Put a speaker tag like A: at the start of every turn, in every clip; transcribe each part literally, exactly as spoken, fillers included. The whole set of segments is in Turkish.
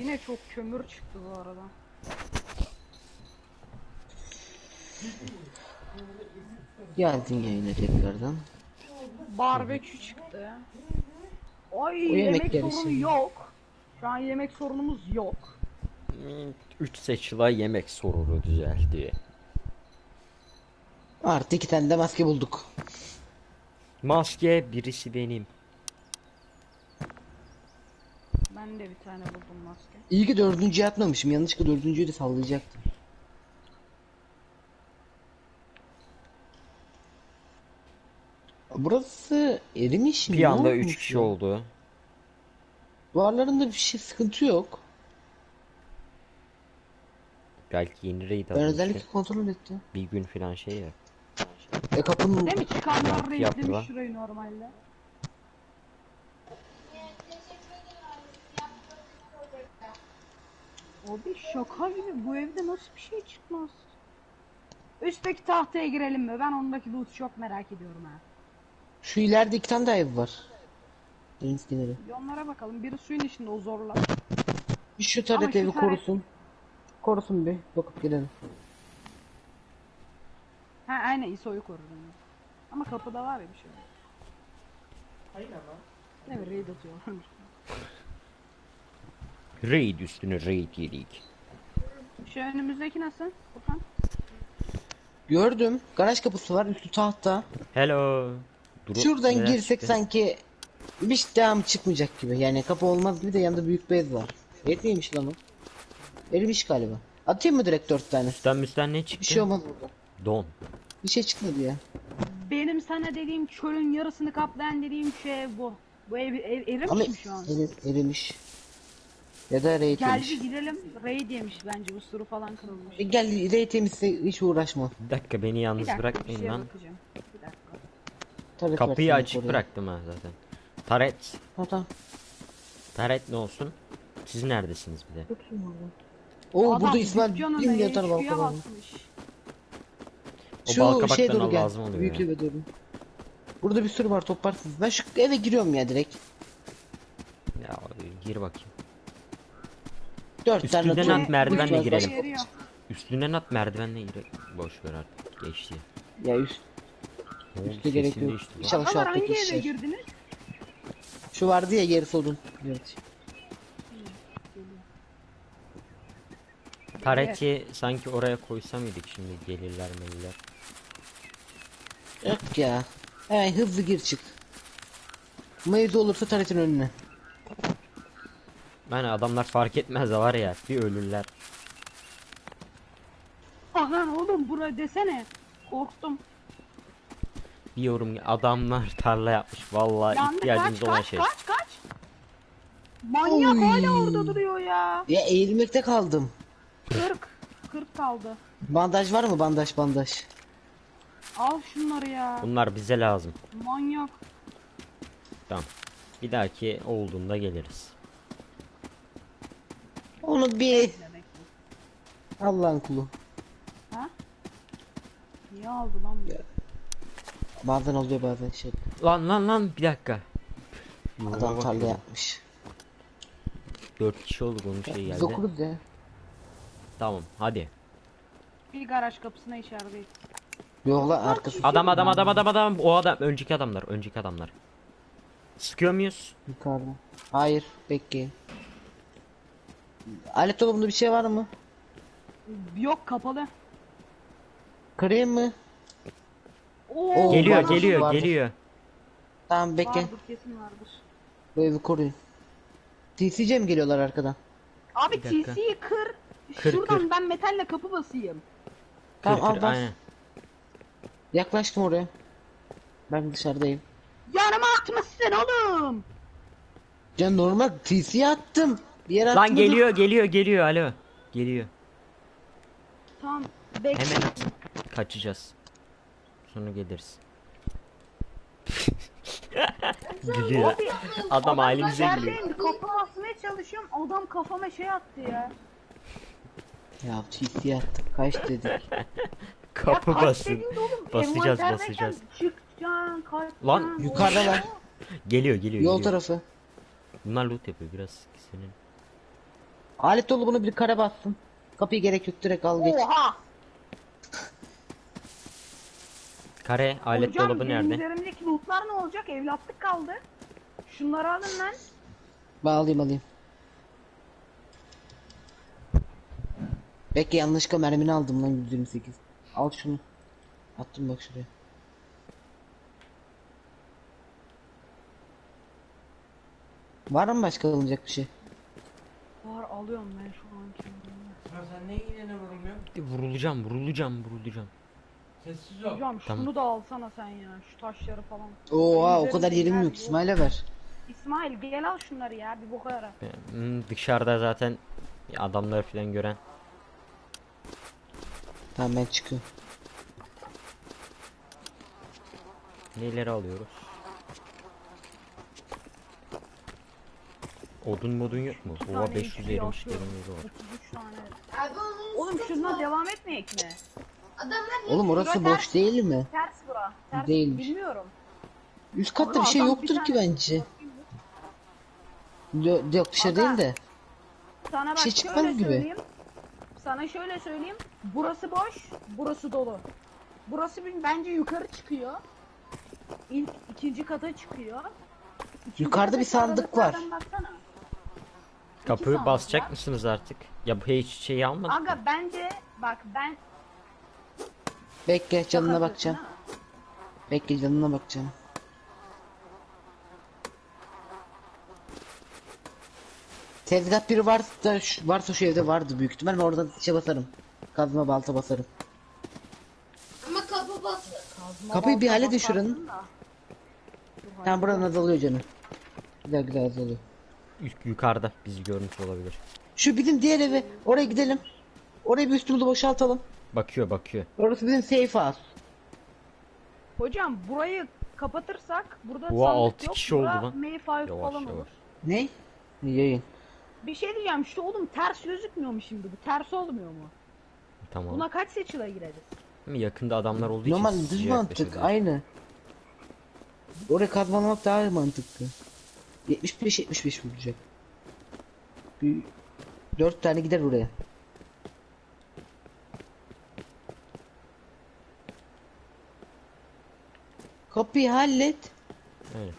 A: Yine çok kömür çıktı bu arada.
B: Geldin yayına tekrardan.
A: Barbekü çıktı. Ay
B: O
A: yemek
B: yemekleri
A: sorunu
B: şimdi.
A: yok. Şu an yemek sorunumuz yok.
C: üç seçila yemek sorunu düzeldi.
B: Artı iki tane de maske bulduk.
C: Maske birisi benim.
A: Ben de bir tane buldum maske.
B: İyi ki dördüncüye atmamışım. Yanlışlıkla dördüncüyü de sallayacaktım. Burası erimiş mi?
C: Bir
B: Ne
C: anda
B: olmuş
C: üç kişi
B: ya?
C: oldu.
B: Duvarlarında bir şey sıkıntı yok.
C: Belki yeni raid
B: Ben
C: almıştı.
B: özellikle kontrol ettim.
C: Bir gün falan şey ya.
B: E kapının...
A: Değil mi? Çıkanlar
C: Yaptı, yaptı
A: renklemiş
C: lan.
A: şurayı normalde. Abi şaka gibi bu evde nasıl bir şey çıkmaz? Üstteki tahtaya girelim mi? Ben ondaki loot'u çok merak ediyorum ha.
B: Şu ileride iki tane daha ev var. Deniz kenarı.
A: Bir onlara bakalım. Biri suyun içinde o zorla.
B: Bir şu
A: Ama
B: taret
A: şu
B: evi
A: taret-
B: korusun. Korusun bir. Bakıp gelelim.
A: Ha aynen İso'yu korur onu. Ama kapıda var ya bir şey.
D: Hayır ama.
A: Ne bir raid atıyorlarmış.
C: Raid üstüne raid yedik.
A: Şu önümüzdeki nasıl? Furkan.
B: Gördüm. Garaj kapısı var. Üstü tahta.
C: Hello. Duru-
B: Şuradan
C: neler
B: girsek
C: çıktı?
B: sanki bir şey devam çıkmayacak gibi. Yani kapı olmaz gibi de yanında büyük bez var. Yetmiymiş lan o. Erimiş galiba. Atayım mı direkt dört tane?
C: Üstten müstten ne çıktı?
B: Bir şey olmaz burada.
C: Don.
B: Bir şey çıkmadı ya.
A: Benim sana dediğim çölün yarısını kaplayan dediğim şey bu. Bu ev, ev erimiş
B: Ama
A: mi şu an?
B: eri- erimiş. Ya da raid
A: Geldi
B: yemiş.
A: girelim. Raid yemiş bence. Usuru falan kırılmış.
B: E gel raid temizse hiç uğraşma.
C: Bir dakika beni
A: Bir
C: yalnız
A: dakika bir
C: bırakmayın
A: şeye
C: lan.
A: bakacağım. Bir dakika.
B: Taret
C: Kapıyı
B: versene
C: açık
B: oraya.
C: bıraktım ha zaten. Taret.
B: Ha tamam.
C: Taret ne olsun? Siz neredesiniz bir de?
B: Oo
A: Adam
B: burada İsmail
A: dükkanına
B: bin yatar
A: H Q'ya
B: balkona.
A: basmış.
C: O
B: Şu
C: balkabaktan
B: şeye doğru gel.
C: lazım oluyor
B: Büyük
C: ya.
B: eve doğru. Burada bir sürü var toplarsınız. Ben şu eve giriyorum ya direkt.
C: Ya gir bakayım.
B: Dört tane
C: Üstünden
B: atıyorum.
C: at, merdivenle
B: Büyük
C: girelim.
B: var.
A: Eriyor.
C: Üstünden at merdivenle gir. Boş ver artık geçti.
B: Ya üst,
C: Ne oldu?
B: üstte gerek
C: Sesin
B: yok.
C: değişti lan.
B: İnşallah şu
A: Ama
B: alttaki
A: hangi eve
B: işler.
A: girdiniz?
B: Şu vardı ya gerisi odun. Evet.
C: Tareti sanki oraya koysa mıydık şimdi gelirler meliler.
B: Yok ya. Hemen hızlı gir çık. Mevzu olursa taretin önüne.
C: Yani adamlar fark etmez de var ya bir ölürler.
A: Aman oğlum buraya desene. Korktum.
C: Bir yorum adamlar tarla yapmış vallahi
A: Yandı
C: ihtiyacımız
A: kaç
C: olan
A: kaç
C: şey.
A: kaç kaç. Manyak
B: Oy.
A: hala orada duruyor ya.
B: Ya eğilmekte kaldım.
A: kırk. kırk kaldı.
B: Bandaj var mı? Bandaj bandaj.
A: Al şunları ya.
C: Bunlar bize lazım.
A: Manyak.
C: Tamam. Bir dahaki olduğunda geliriz.
B: Onu bir Allah'ın kulu.
A: Ha? Niye aldı lan bu?
B: Bazen oluyor bazen şey.
C: Lan lan lan bir dakika.
B: Adam tarla yapmış.
C: Dört kişi olduk onun şey
B: Biz
C: geldi.
B: okuruz ya.
C: Tamam hadi.
A: Bir garaj kapısına işaret.
B: Yok lan arkası.
C: Adam adam adam adam adam o adam önceki adamlar önceki adamlar. Sıkıyor muyuz?
B: Yukarıda. Hayır bekleyin. Alet dolabında bir şey var mı?
A: Yok kapalı.
B: Kırayım mı?
A: Oo,
B: Oo,
C: Geliyor
B: vardır,
C: geliyor
B: vardır.
C: geliyor.
B: Tamam bekle.
A: Vardır kesin vardır.
B: Bu evi koruyun. T C'ye mi geliyorlar arkadan?
A: Abi
C: Bir dakika.
A: T C'yi kır.
C: Kır,
A: Şuradan
C: kır.
A: ben metalle kapı basayım.
B: Tamam
C: Kır
B: al
C: kır
B: bas.
C: aynen.
B: Yaklaştım oraya. Ben dışarıdayım.
A: Yanıma atmışsın oğlum.
B: Can normal T C'ye attım. Bir yere
C: Lan
B: atmadım.
C: geliyor geliyor geliyor alo. Geliyor.
A: Tamam bekle.
C: Hemen at. Kaçacağız. Sonra geliriz. Gülüyor.
A: Abi,
C: Adam halimize gülüyor.
A: Neredeyim? Kapı basmaya çalışıyorum. Adam kafama şey attı ya.
B: Ya T C'ye attım. Kaç dedik.
C: Kapı
A: Ya kaç
C: basın.
A: dedin de oğlum,
C: Basacağız
A: envanterdeyken
C: basacağız.
A: Çıkacaksın kaçacaksın.
C: Lan,
B: yukarıdalar.
C: Geliyor geliyor
B: Yol
C: geliyor.
B: tarafı.
C: Bunlar loot yapıyor biraz senin.
B: Alet dolu, bunu bir kare bassın. Kapıyı gerek yok, direkt al geç.
A: Oha!
C: Kare alet
A: Hocam
C: dolabı
A: benim
C: nerede?
A: üzerimdeki lootlar ne olacak? Evlatlık kaldı. Şunları alın lan.
B: Ben alayım alayım. Bekle, yanlışlıkla mermini aldım lan, yüz yirmi sekiz. Al şunu. Attım bak şuraya. Var mı başka alınacak bir şey?
A: Var alıyorum ben şu an kendimi.
D: Ya sen niye yine vurulmuyorsun?
C: Vurulacağım, vurulacağım, vurulacağım.
D: Sessiz ol.
A: Hocam
C: Tamam.
A: şunu da alsana sen ya. Şu taşları falan.
B: Oha, o
A: Benim
B: kadar
A: üzerimde
B: yerim
A: yer
B: yok, İsmail'e ver.
A: İsmail gel al şunları ya. Bir boka yara.
C: Hmm, dışarıda zaten adamlar falan gören.
B: Tamam, ben çıkıyorum.
C: Neleri alıyoruz? Odun modun yok mu?
A: İki
C: Oha
A: tane
C: beş yüz
A: ipi
C: erimiş
A: atıyorum.
C: derimiz var.
A: otuz üç tane.
E: Abi onun
A: Oğlum
E: sesi
A: şundan
E: var.
A: devam etmeyek mi?
E: Adamlar
B: Oğlum orası
A: Şurada
B: boş değil mi?
A: Ters bura. Ters
B: Değilmiş.
A: bilmiyorum.
B: Üst katta
A: Ama
B: bir şey
A: adam
B: yoktur
A: bir
B: ki
A: tane-
B: bence. Yo- Yok, dışarı
A: Aga.
B: değil de.
A: Sana bak
B: şey
A: şöyle
B: çıkmaz gibi.
A: söyleyeyim. Sana şöyle söyleyeyim. Burası boş, burası dolu. Burası bir- bence yukarı çıkıyor. İlk ikinci kata çıkıyor. İkinci
B: Yukarıda bir
A: kataki
B: sandık var.
A: aralıklardan baksana.
C: Kapıyı
A: sandık
C: basacak
A: var.
C: mısınız artık? Ya bu hiç şeyi almadık. mı?
A: Aga bence bak ben
B: Bekle, canına
A: Şaka
B: bakacağım.
A: yapıyorsun, ha?
B: Bekle, canına bakacağım. Tezgah biri varsa, şu- varsa şu evde vardı büyük ihtimal. Ben oradan şey basarım. Kazma balta basarım.
E: Ama kapı bastı.
A: Kazma
B: Kapıyı bir
A: balta
B: halledin
A: basarsın
B: şuranın.
A: da. Dur,
B: Tamam, buranın azalıyor canım. Güzel güzel azalıyor.
C: Yuk- Yukarıda bizi görmüş olabilir.
B: Şu bizim diğer evi, oraya gidelim. Orayı bir üstümüzü boşaltalım.
C: Bakıyor bakıyor.
B: Orası bizim safe house.
A: Hocam burayı kapatırsak burada
C: Oha,
A: sandık
C: altı
A: yok.
C: kişi oldu
A: Bura
C: lan.
A: Mayfive
C: Yavaş,
A: falan
C: yavaş.
A: olur.
B: Ne? Yayın.
A: Bir şey diyeceğim şu oğlum ters gözükmüyor mu şimdi bu? Ters olmuyor mu?
C: Tamam.
A: Buna kaç seçile gireriz?
C: Değil mi? Yakında adamlar olduğu
B: Normal
C: için
B: düz
C: sizi
B: mantık,
C: yaklaşıyorlar.
B: aynı. Oraya kazmalamak daha mantıklı. yetmiş beş yetmiş beş vuracak. Bir dört tane gider oraya. Kapıyı hallet.
C: Evet.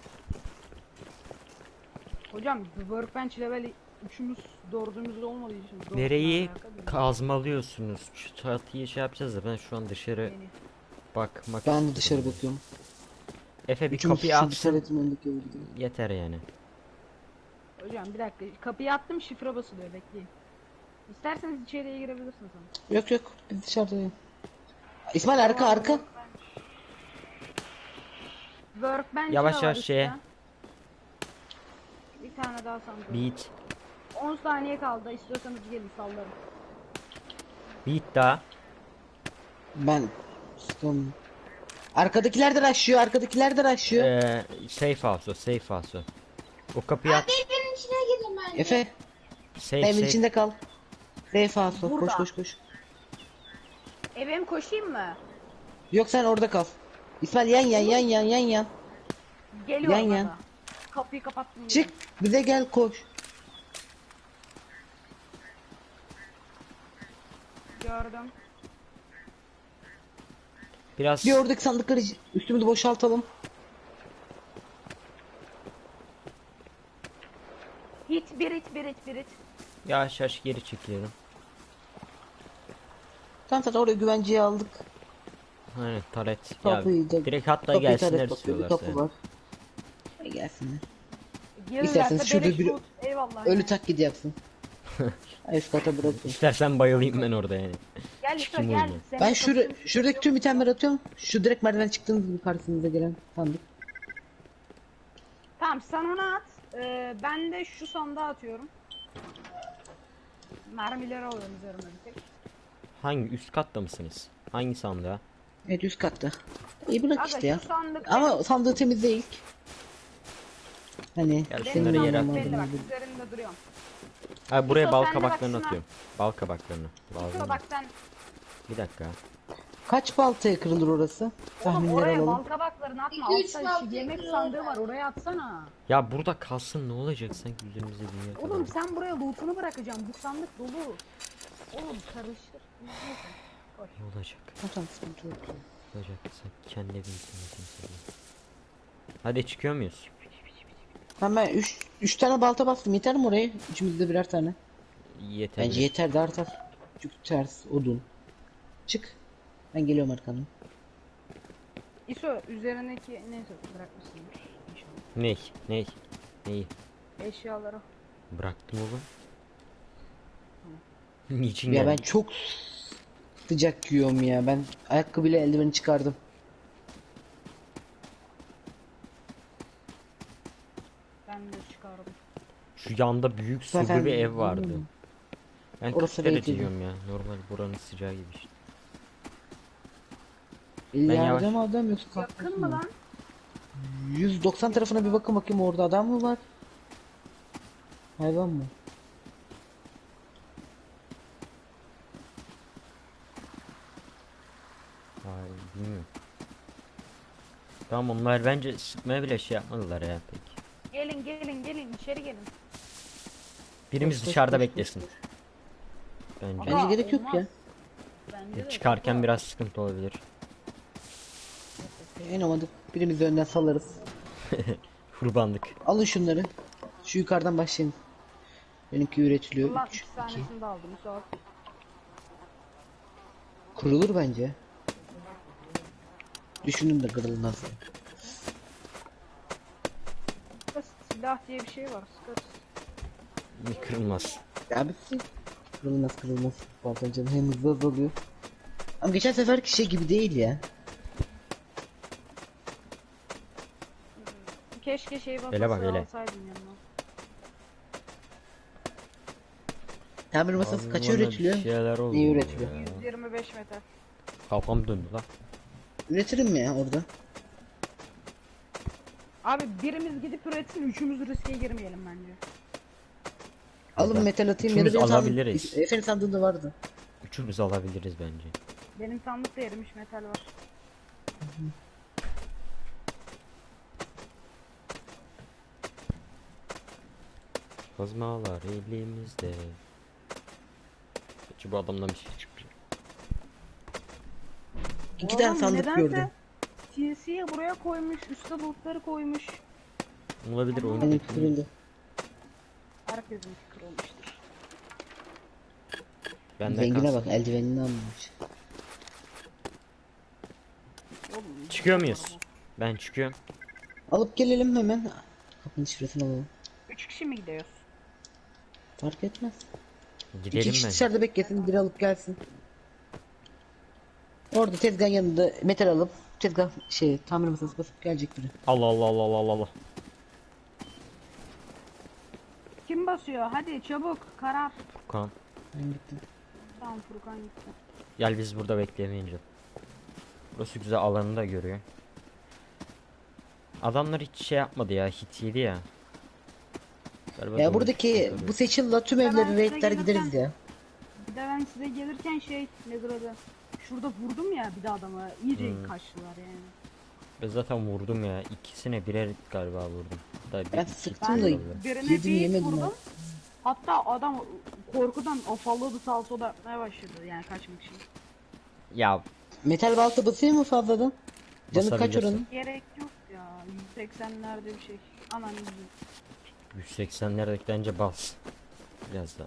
A: Hocam workbench level üçümüz dördümüz olmadığı için dört
C: Nereyi
A: tane alaka değil.
C: kazmalıyorsunuz? Şu çatıyı şey yapacağız da ben şu an dışarı
A: Beni.
C: bakmak
B: Ben de dışarı
C: istiyorum.
B: bakıyorum.
C: Efe bir
B: Üçümüz
C: kapıyı
B: şu
C: atsın.
B: dışarı önündeki eve gidelim.
C: Yeter yani.
A: Hocam bir dakika kapıyı attım şifre basılıyor bekleyin. İsterseniz içeriye girebilirsiniz ama.
B: Yok yok, biz dışarıdayız. İsmail arka arka.
A: Workbench
C: Yavaş
A: de var
C: yavaş
A: üstte.
C: şeye.
A: Bir tane daha sandım.
C: Beat.
A: on saniye kaldı istiyorsanız gelin sallarım.
C: Beat daha.
B: Ben sıkıldım. Arkadakiler de rushlıyor, arkadakiler de rushlıyor.
C: Ee, safe house o, safe house o. O kapıyı at.
E: Abi evin içine girin bence.
B: Efe,
C: Safe
B: evin
C: safe.
B: içinde kal. Safe house, koş
A: Burada.
B: koş koş.
A: Eve mi koşayım mı?
B: Yok, sen orada kal. İsmail yan yan yan yan yan yan.
A: Geliyorum
B: Yan yan.
A: aga. Kapıyı kapattım.
B: Çık, bize gel, koş.
A: Gördüm.
C: Biraz
B: Bir oradaki sandıkları üstümüzü boşaltalım.
A: Hit bir hit bir hit bir hit.
C: yavaş yavaş geri çekiyorum.
B: Tamam, zaten oraya güvenceye aldık.
C: Aynen taret. Ya,
B: Kapıyı da-
C: direkt hatta
B: Kapıyı
C: gelsinler
B: taret bakıyor, bir
C: istiyorlarsa.
B: kapı
C: yani.
B: var. E, gelsinler.
A: Gelirlerse
B: İsterseniz şurada
A: beleş
B: bir-
A: loot. Eyvallah.
B: Ölü
A: yani.
B: taklidi yapsın. Üst kata bırakın.
C: İstersen bayılayım ben orada yani.
A: Gel
C: Çıkayım
A: lütfen gel.
C: oyuna.
A: Seni
B: Ben şura,
A: kapatayım.
B: şuradaki tüm itemleri atıyorum. Şu direkt merdiven çıktığınız gibi karşınıza gelen sandık.
A: Tamam sen onu at. Ee, ben de şu sandığa atıyorum. Mermileri alıyorum üzerime bir tek.
C: Hangi üst katta mısınız? Hangi sandığa?
B: Evet, üst katta. İyi bırak
A: Aga
B: işte ya.
A: şu sandık
B: Ama sandığı temizle ilk. Hani
C: Gel
A: benim
C: şunları yere
A: sandık
C: atalım.
A: belli bak üzerinde duruyorum.
C: Ha, buraya
A: Yusuf,
C: bal
A: sen de bak
C: kabaklarını
A: şuna.
C: atıyorum. Bal kabaklarını.
A: Şuna
C: Lazım.
A: bak sen
C: Bir dakika.
B: Kaç baltaya kırılır orası?
A: Oğlum
B: Tahminler
A: oraya
B: alalım.
A: bal kabaklarını atma.
E: İki, üç
A: Altta şu
E: balta
A: yemek
E: kırılır.
A: sandığı var, oraya atsana.
C: Ya burada kalsın ne olacak sanki üzerimize dünya kadar.
A: Oğlum sen buraya lootunu bırakacaksın. Bu sandık dolu. Oğlum karıştır. Neyse. Koy.
C: Ne olacak?
B: Tamam sıkıntı yok. ya.
C: Ne olacak sen kendi bilsin kimse. Hadi çıkıyor muyuz?
B: Tamam ben üç üç tane balta bastım. Yeter mi oraya? Üçümüzde birer tane.
C: Yeter.
B: Bence yeter de artar. Çünkü ters odun. Çık. Ben geliyorum arkandan.
A: İso üzerindeki neyse bırakmışsındır. İnşallah.
C: Ney? Ney? Neyi?
A: Eşyaları.
C: Bıraktım oğlum. Niçin
B: Ya ben
C: geldin?
B: çok sıcak giyiyorum ya. Ben ayakkabıyla eldiveni çıkardım.
A: Ben de çıkardım.
C: Şu yanda büyük surlu
B: Zaten-
C: bir ev vardı.
B: Hmm.
C: Ben
B: Orası
C: kırk derece
B: belki.
C: diyorum ya. Normal buranın sıcağı gibi işte.
B: Ben
C: yavaş-
B: yardım adam yoksa
A: Yakın
B: kalkmasın
A: mı
B: mı?
A: lan?
B: yüz doksan tarafına bir bakın bakayım orada adam mı var? Hayvan mı?
C: Ay bilmiyorum. Tamam onlar bence sıkmaya bile şey yapmadılar ya pek.
A: Gelin gelin gelin içeri gelin.
C: Birimiz
B: Koş, koş,
C: dışarıda
B: koş, koş,
C: beklesin.
B: koş.
C: Bence.
B: Bence
A: Aa,
B: gerek yok
A: olmaz.
B: ya.
A: Bence de.
C: Çıkarken
A: çok-
C: biraz sıkıntı olabilir.
B: En olmadı birimizi önden salarız.
C: Kurbanlık.
B: Alın şunları. Şu yukarıdan başlayın. Benimki üretiliyor.
A: Allah
B: üç,
A: iki
B: iki.
A: tanesini de aldım. Sağ
B: Kurulur bence. Düşünün de kırılmaz.
A: Silah diye bir şey var. Sıkarız.
C: Bir kırılmaz.
B: Ya bitsin. Kırılmaz kırılmaz. Bazen canım hem hızlı azalıyor. Ama geçen seferki şey gibi değil ya.
A: Keşke şey bakası
C: Hele bak, hele.
A: alsaydım yanına.
B: Tamir masası
C: Abi
B: kaça
C: bana
B: üretiliyor?
C: Bir şeyler oldu
B: Neyi üretiliyor?
C: ya.
A: yüz yirmi beş metal.
C: Kafam döndü lan.
B: Üretirim mi ya orada?
A: Abi birimiz gidip üretsin, üçümüz riske girmeyelim bence.
B: Alın
C: Neden?
B: metal atayım ya da
C: Üçümüz
B: benim sandım-
C: alabiliriz.
B: Efendim sandığında vardı.
C: Üçümüz alabiliriz bence.
A: Benim sandıkta erimiş metal var.
C: Kazmalar elimizde. Peki bu adamdan bir şey çıkmıyor.
B: İki
A: Oğlum,
B: tane sandık
A: nedense
B: gördüm.
A: T C'ye buraya koymuş, üstte bulutları koymuş.
C: Olabilir oyun.
B: Benim kırıldı.
A: Herkesin kırılmıştır.
C: Bende
B: Zengine
C: kalsın.
B: bak eldivenini almış.
A: Oğlum,
C: Çıkıyor muyuz? Ben çıkıyorum.
B: Alıp gelelim hemen. Kapının şifresini alalım.
A: üç kişi mi gidiyoruz?
B: Fark etmez. İki
C: Gidelim
B: kişi
C: ben.
B: dışarıda beklesin, biri alıp gelsin. Orada tezgahın yanında metal alıp tezgah şey tamir masası basıp gelecek biri.
C: Allah Allah Allah Allah Allah.
A: Kim basıyor? Hadi çabuk karar.
C: Furkan.
B: Ben gittim.
A: Tamam Furkan gitti.
C: Gel biz burada beklemeyince. Burası güzel alanını da görüyor. Adamlar hiç şey yapmadı ya, hit yedi ya. Galiba
B: Ya
C: doğru
B: buradaki
C: çıktı
B: bu
C: tabii.
B: seçilla tüm
A: Ben
B: evleri
A: size
B: raidler
A: gelirken-
B: gideriz ya.
A: Bir de ben size gelirken şey nedir adı? Şurada vurdum ya bir de adamı. İyice
C: Hmm.
A: kaçtılar yani.
C: Ben zaten vurdum ya. İkisine birer galiba vurdum. Hatta bir
B: Ben
C: iki
B: sıktım
C: tane
B: da
C: oldu.
A: Birine
B: yedim
A: bir
B: yemedim
A: vurdum.
B: ben.
A: Hatta adam korkudan afalladı sağa sola yapmaya başladı yani kaçmak için.
C: Ya
B: Metal balta basıyor mu fazladan? Canı kaç
C: Basabilirsin.
B: oranın?
A: Gerek yok ya. yüz seksenlerde bir şey. Aman iyi.
C: yüz seksenlerdeki bence bas. Biraz daha.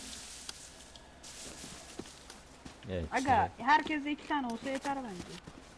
C: Evet.
A: Aga
C: güzel.
A: herkeste iki tane olsa yeter bence.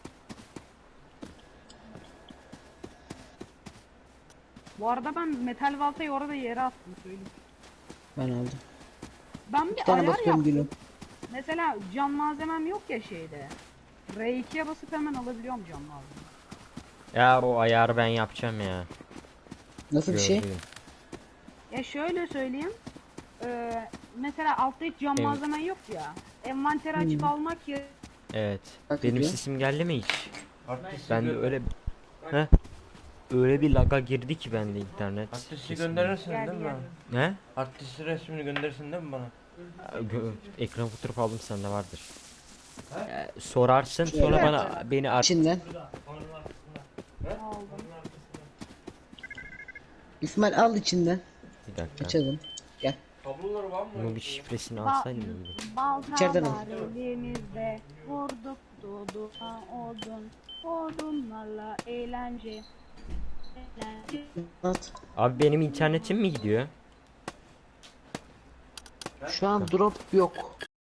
A: Bu arada ben metal baltayı orada yere attım söyleyeyim.
B: Ben aldım.
A: Ben bir
B: Bir tane
A: ayar
B: basıyorum
A: yaptım.
B: gülüm.
A: Mesela can malzemem yok ya şeyde. R ikiye basıp hemen alabiliyorum can malzeme.
C: Ya o ayarı ben yapacağım ya.
B: Nasıl bir şey?
C: Gördüm.
A: Ya şöyle söyleyeyim. Ee, mesela altta hiç can
C: Evet.
A: malzemen yok ya. Envanteri açıp
B: Hmm.
A: almak ya.
C: Evet.
B: Bak
C: Benim
B: ediyor.
C: sesim geldi mi hiç?
D: Artisti
C: Ben de
D: gö-
C: öyle He? Öyle bir laga girdi ki bende internet.
D: Artisti
C: Sesim-
D: gönderirsin
A: Geldi,
D: değil mi?
A: geldi.
C: Ne?
D: Artisti resmini gönderirsin değil mi bana?
C: Gö- ekran fotoğrafı aldım sende vardır. Ee, sorarsın
B: Şöyle.
C: sonra bana beni ar
B: İçinden.
A: Aldım.
B: İsmail al içinden.
C: bir dakika.
B: Açalım. Gel.
D: Kabloları var mı?
C: Bunun bir şifresini
A: Ba
C: alsaydım iyiydi.
A: balta
B: İçeriden al.
A: var elimizde. Vurduk doğdu odun. Odunlarla eğlence. Eğlence.
B: At.
C: Abi benim internetim mi gidiyor?
B: Şu an drop yok.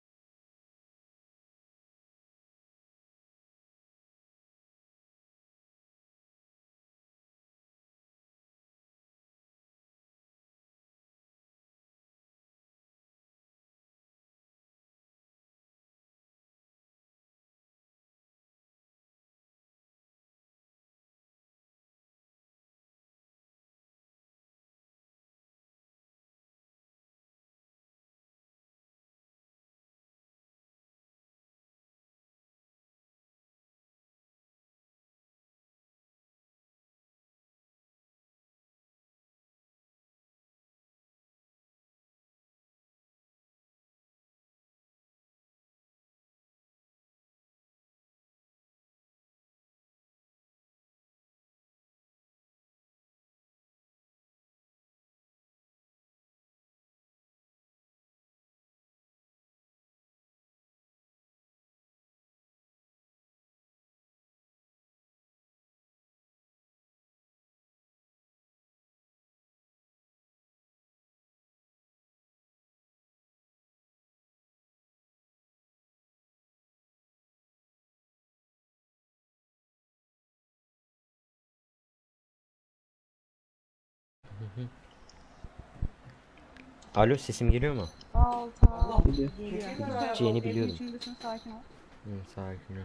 C: Alo, sesim geliyor mu?
A: Balta
B: Biliyor.
A: geliyor.
C: Gideceğini
A: Evin
C: biliyordum.
A: içindesin, sakin ol.
C: Hı, sakin ol.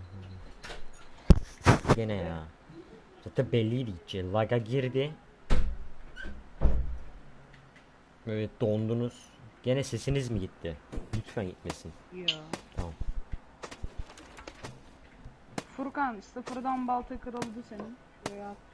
C: Gene ya. Zaten belliydi gideceği. Lag'a girdi. Evet, dondunuz. Gene sesiniz mi gitti? Lütfen gitmesin.
A: Yo.
C: Tamam.
A: Furkan sıfırdan balta kırıldı senin. Şuraya attım.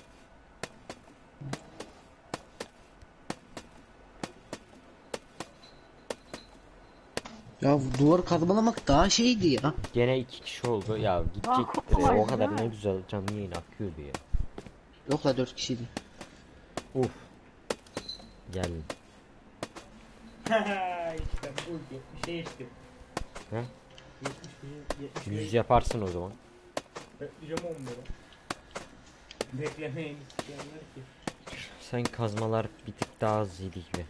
B: Ya bu duvarı kazmalamak daha şeydi ya.
C: Gene iki kişi oldu. Ya gidecek.
A: Bak,
C: e,
A: kolay
C: o kadar
A: değil
C: ne
A: mi?
C: güzel canlı yayın akıyordu ya.
B: Yok la dört kişiydi.
C: Uf. Geldim.
D: işte bu yetmişe geçtim.
C: He?
D: yetmiş bir, yetmiş beş.
C: Yüz yaparsın o zaman.
D: Bekleyeceğim on lira. Beklemeyin isteyenler ki.
C: Sen kazmalar bir tık daha az yedi gibi.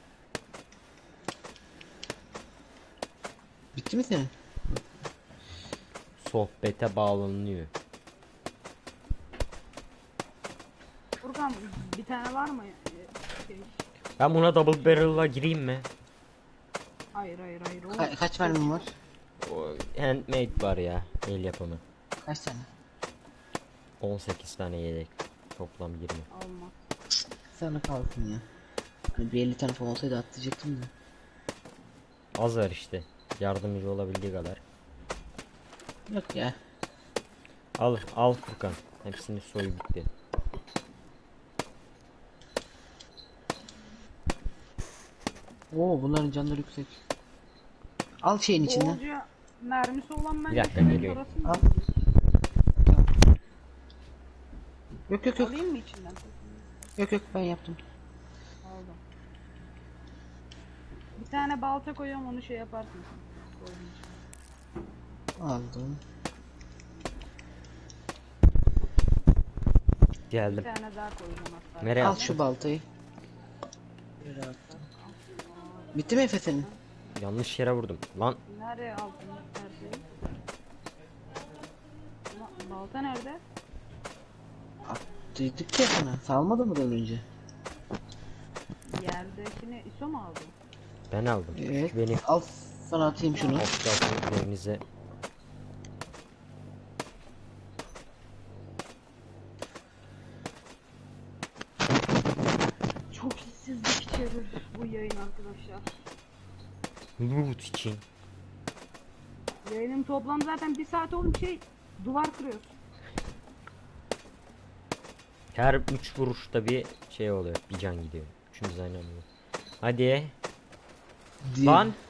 B: Bitti mi senin?
C: Sohbete bağlanıyor.
A: Furkan bir tane var mı? Ee, Şey.
C: Ben buna double barrel'la gireyim mi?
A: Hayır hayır hayır. O
B: Ka- kaç mermin var?
C: O handmade var ya, el yapımı.
B: Kaç tane?
C: on sekiz tane yedek. Toplam yirmi.
A: alma.
B: Sana kalsın ya. Hani bir elli tane falan olsaydı atlayacaktım da.
C: Az var işte. Yardımcı olabildiği kadar.
B: Yok ya.
C: Al, al Furkan. Hepsini soy bitti.
B: Oo bunların canları yüksek. Al şeyin içinden.
A: Bolca mermisi olan ben
C: Bir dakika, geliyorum.
B: Al. Yok yok yok.
A: Alayım mı içinden?
B: Yok yok ben yaptım.
A: Aldım. Bir tane balta koyuyorum, onu şey yaparsın. Koydum içine.
B: Aldım.
A: Bir
C: Geldim.
A: tane daha koyacağım hatta.
C: Nereye
B: Al
C: attın?
B: şu baltayı. Bitti mi Efe senin?
C: Yanlış yere vurdum. Lan
A: Nereye aldın her şeyi? Ba- Balta nerede?
B: Dedik ya sana. Salmadı mı önce?
A: Yerdekini İso mu aldı?
C: ben aldım.
B: Evet.
C: Benim
B: Al sana atayım şunu.
C: opsiyonlarınızı.
A: Çok hissizlik içerir bu yayın arkadaşlar.
C: Loot için.
A: Yayının toplam zaten bir saat oğlum, şey duvar kırıyoruz.
C: Her üç vuruşta bir şey oluyor. Bir can gidiyor. Üçümüz aynı anda. Hadi.
B: Diye-
C: Lan.